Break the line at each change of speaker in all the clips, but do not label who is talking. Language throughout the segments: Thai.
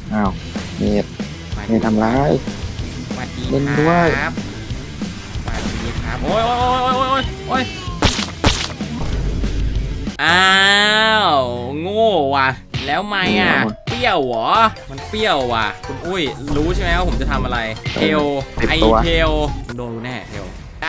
อ้าวเมดเมดทำร้าย
สวัสดี
เล่น
ค
ด้วย
รับสวัสดีครับโอ้ยโอ้ยโอ้ยโอ้ยโอ้ยอ้าวโง่ว่ะแล้วไม่อ่ะเปรี้ยวเหรอมันเปรี้ยวว่ะคุณอุ้ยรู้ใช่ไหมว่าผมจะทำอะไรเทลไอเทลโดนแน่เทล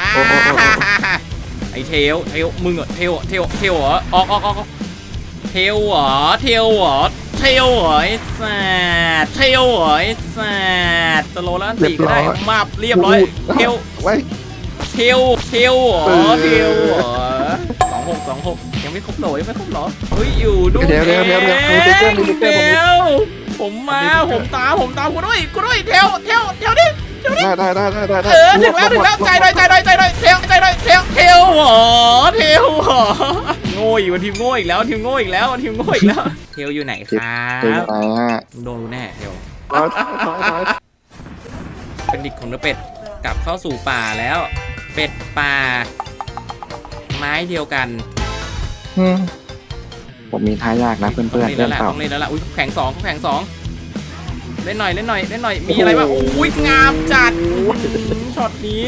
ไอเทลมึงเหรอเทลเหรอออกเทลเหรอเทลเหรอเทลเหรอไอ้สัตว์เทลเหรอไอ้สัตว์สโลแล้วอันตีก็ได้มาเรียบร้อยเทล
ไว้
เทลเหรอเทลเหรอ26ยังไม่ครบเหรอยังไม่ครบเหรอเฮ้ยอยู่ด้วยเทลผมมาผมตามกูด้วยเทลดิ
ได้
ถึงแล้วใจหน่อยเทลเหรอโง่อีกวันทีมโง่อีกแล้วเทลอยู่ไหนครับ
เดี๋ยวไหนฮะ
โดนแน่เทล
ถอย
เป็นดิกของเนื้อเป็ดกลับเข้าสู่ป่าแล้วเป็ดป่าไม้เดียวกัน
ผมมีท่ายากนะเพื่อนๆเล่นเปล่า
ต้องเล่นแล้วล่ะอุ้ยแข่งสองเล่นหน่อยมีอะไรบ้างอุ้ยงามจัดช็อตนี้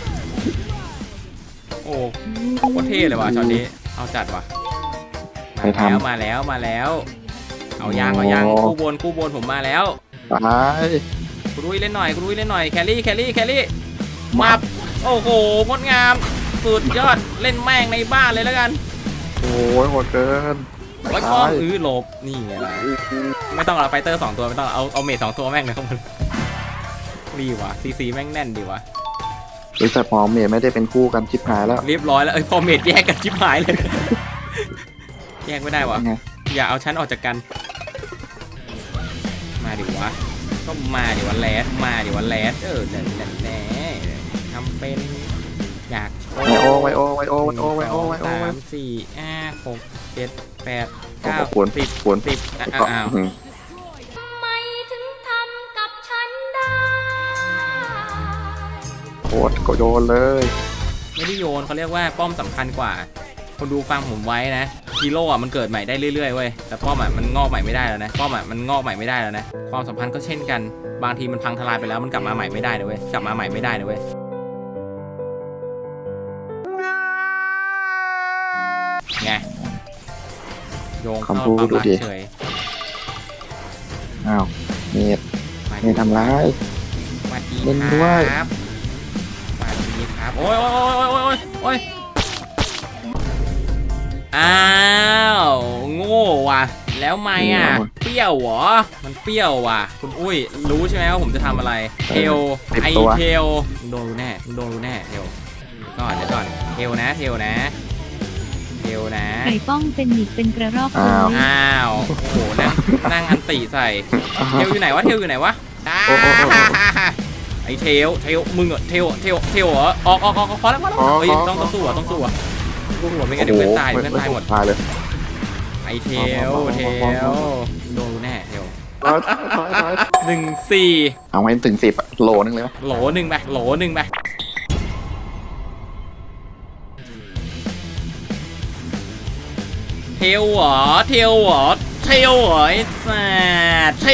โอ้โคตรเท่เลยว่ะช็อตนี้เอาจัดว่ะมาแล้วเอายางคู่บนผมมาแล้ว
ตาย
กูดุ้ยเล่นหน่อยแครี่มับโอ้โหงดงามสุดยอดเล่นแม่งในบ้านเลยแล้วกัน
โอ้ยโหดเกิน
ไว้ก้อนหลบนี่ไงล่ะไม่ต้องเอาไฟเตอร์2ตัวไม่ต้องเอาเมท2ตัวแม่งเลยครับมันดีว่ะซีแม่งแน่นดีว่ะ
แต่พอเมดไม่ได้เป็นคู่กันชิบหายแล้ว
เรียบร้อยแล้วพอเมทแยกกันชิบหายเลยแยกไม่ได้วะอย่าเอาฉันออกจากกันมาดิวะก็มาดิวันแรดแน่ทำเป็นอยาก
ไวโอ
3 4 5 6 7 8 9
ขวน
10อ้าว
ทำไมถึงทำกับฉันได้
โคตรก็โยนเลย
ไม่ได้โยนเขาเรียกว่าป้อมสำคัญกว่าคนดูฟังผมไว้นะฮีโร่อะมันเกิดใหม่ได้เรื่อยๆเว้ยแต่ป้อมอะมันงอกใหม่ไม่ได้แล้วนะความสัมพันธ์ก็เช่นกันบางทีมันพังทลายไปแล้วมันกลับมาใหม่ไม่ได้เลยเว้ยไงโยงเข้าความรักเฉย
อ้าวเมดทำร้าย
สวัสดี
เล่นด้วย
ครับโอ้ยอ้าวโง่ว่ะแล้วไม่อ่ะเปรี้ยวเหรอมันเปรี้ยวว่ะคุณอุ้ยรู้ใช่ไหมว่าผมจะทำอะไรเทลไอเทลโดนแน่เทลก่อนเทลนะ
ไก่ป้องเป็นหนิกเป็นกระรอก
อ้าว
โอ้โหนั่งอันติใส่เทลอยู่ไหนวะไอเทลมึงเหรอเทลเหรอออกพอแล้วเฮ้ยต้องสู้อ่ะไม่งั้นเดี๋ยวเพื่อนตายหมด
ตายเลย
ไอเทลโดนแน่เทล 1-4
เอาให้ถึง10โลนึงเลยไหม
โหลหนึ่งไปเทลเหรอไอ้สัตว์เ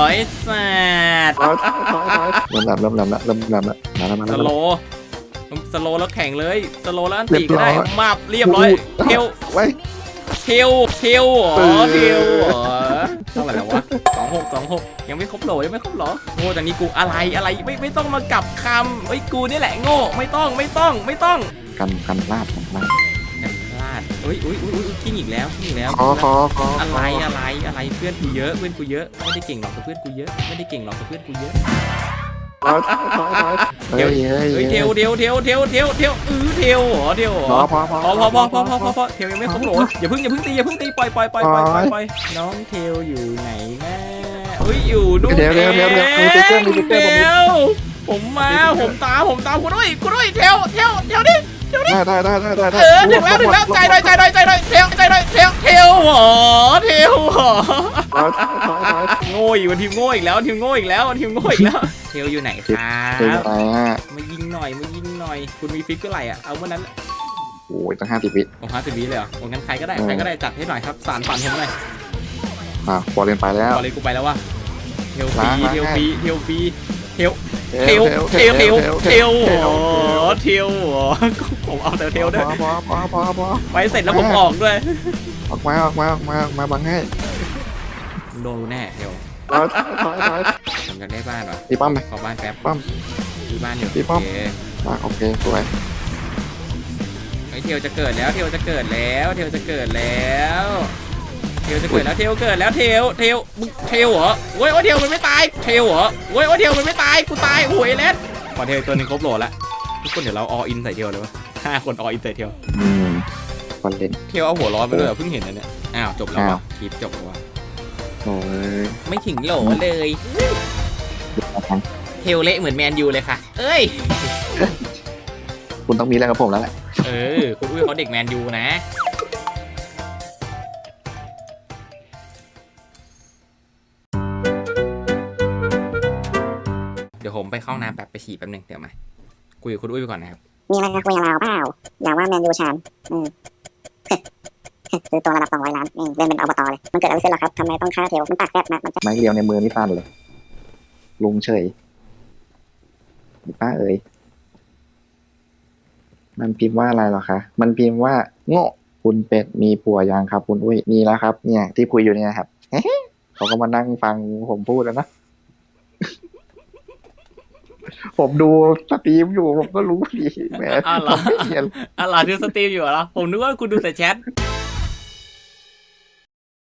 ริ่มแหลมแล้วมา
สโลแล้วแข่งเลยสโลแล้วอันตีก็ได้มาเรียบร้อยเทล
ไว้
เทลเหรอเท่าไหร่แล้ววะ26ยังไม่ครบเหรอโง่จากนี้กูอะไรไม่ต้องมากลับคำเฮ้ยกูนี่แหละโง่ไม่ต้อง
กันพลาด
เฮ้ยกิ้งอีกแล้ว
ขอ
อะไรเพื่อนกูเยอะไม่ได้เก่งหรอกแต่เพื่อนกูเยอะเทลเทลเหรอเทลพอเทลยังไม่ครบโหลอย่าเพิ่งตีปล่อยน้องเทลอยู่ไหนนะเฮ้ยอยู่นู่นเทลผมมาผมตามกูด้วยเทลดิ
ได้
ถึงแล้วใจหน่อยเทลเหรอโง่อีกวันทีมโง่อีกแล้วเทลอยู่ไหนครับมายิงหน่อยคุณมีฟิกเกอร์ไหร่อ่ะเอาเมื่อนั้น
โอ้ยตั้ง50 วิ
ผม50 วิเลยเหรองั้นใครก็ได้จัดให้หน่อยครับสารฝันผมหน่อย
บอลเล่นไปแล้ว
บอลเลยกูไปแล้ววะทลฟรี
ล้าง
เทลฟรีเทลฟรีเทล
เท
เทล
ล
เทลเทลเทลโอ้เทลผมเอาแต่เทลด้วย
พอ
ไปเสร็จแล้วผมออกด้วย
ออกมาบังให้
โดนแน่เทล
ถอย
ผมอยากได้บ้านว่ะ
ตีป้อมไป
ขอบ้านแป๊บ
ป้อม
มีบ้านอยู่
พี่ป้อม
โอเค
โอเคสวย
ไอ้เทลจะเกิดแล้วเทลจะเกิดแล้วเทลจะเกิดแล้วเทลจะเกิดแล้วเทลเกิดแล้วเทลมึงเทลเหรอโอ้ยเทลมันไม่ตายเทลเหรอโอ้ยเทลมันไม่ตายกูตายโอ้ยเล็ดพอเทลตัวนึงครบโหลละทุกคนเดี๋ยวเราออินใส่เทลเลยวะ5 คนออินใส่เทล
คนเล่น
เทลเอาหัวร้อนไปด้วยเหรอเพิ่งเห็นนะเนี่ยอ้าวจบแล้ว
อ้าว
วะคลิปจบแล้ววะ
โอ้ย
ไม่ถึงโหลเลยเทลเละเหมือนแมนยูเลยค่ะเอ้ย
คุณต้องมีเรื่องกับผมแล้วแหละ
คุณอุ้ยเขาเด็กแมนยูนะเดี๋ยวผมไปเข้าน้ำแป๊บไปฉี่แป๊บหนึงเดี๋ยวมาคุยกับคุณอุ้ยไปก่อนนะครับ
มีอะไรจะคุยกับเราเปล่าอย่าว่าแมนยูชานซื้อตัวระดับ200 ล้านเล่นเป็นอบตเลยมันเกิดอะไรขึ้นหรอครับทำไมต้องฆ่าเทลมันปากแซ่บนะมันจะ
ไม้เรียวในมือนี่สั้นเลย ลุงเฉยป้าเอ๋ยมันพิมพ์ว่าอะไรหรอคะ มันพิมพ์ว่าโง่คุณเป็ดมีผัวยังครับ คุณอุ้ยมีแล้วครับ เนี่ยที่คุยอยู่เนี่ยครับ เขาก็มานั่งฟังผมพูดแล้วนะ ผมดูสตรีมอยู่ผมก็รู้ดีแหม
อ้าวเหร
ผ
อ
มไม่เขียน
อะไรดูสตรีมอยู่เหรอผมนึกว่าคุณดูแต่แชท